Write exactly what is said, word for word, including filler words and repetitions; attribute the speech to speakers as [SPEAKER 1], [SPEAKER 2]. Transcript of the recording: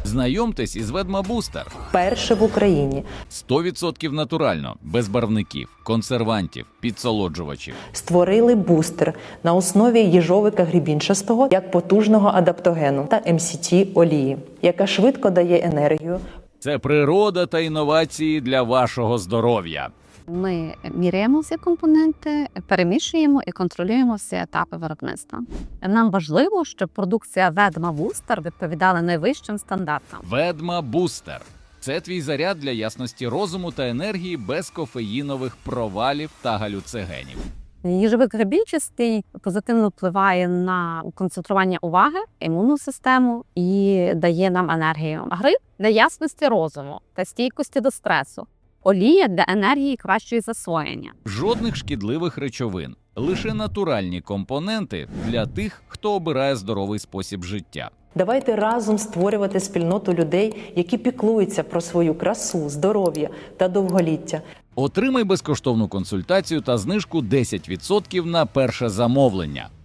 [SPEAKER 1] Знайомтесь із Ведма Бустер.
[SPEAKER 2] Перше в Україні.
[SPEAKER 1] сто відсотків натурально, без барвників, консервантів, підсолоджувачів.
[SPEAKER 2] Створили бустер на основі їжовика грібінчастого як потужного адаптогену та ем сі ті олії, яка швидко дає енергію.
[SPEAKER 1] Це природа та інновації для вашого здоров'я.
[SPEAKER 3] Ми міряємо всі компоненти, перемішуємо і контролюємо всі етапи виробництва. Нам важливо, щоб продукція Ведма Бустер відповідала найвищим стандартам.
[SPEAKER 1] Ведма Бустер. Це твій заряд для ясності розуму та енергії без кофеїнових провалів та галюцигенів.
[SPEAKER 3] Їжовик грибінчастий позитивно впливає на концентрування уваги, імунну систему і дає нам енергію. Гриб для ясності розуму та стійкості до стресу. Олія для енергії і кращої засвоєння.
[SPEAKER 1] Жодних шкідливих речовин. Лише натуральні компоненти для тих, хто обирає здоровий спосіб життя.
[SPEAKER 2] Давайте разом створювати спільноту людей, які піклуються про свою красу, здоров'я та довголіття.
[SPEAKER 1] Отримай безкоштовну консультацію та знижку десять відсотків на перше замовлення.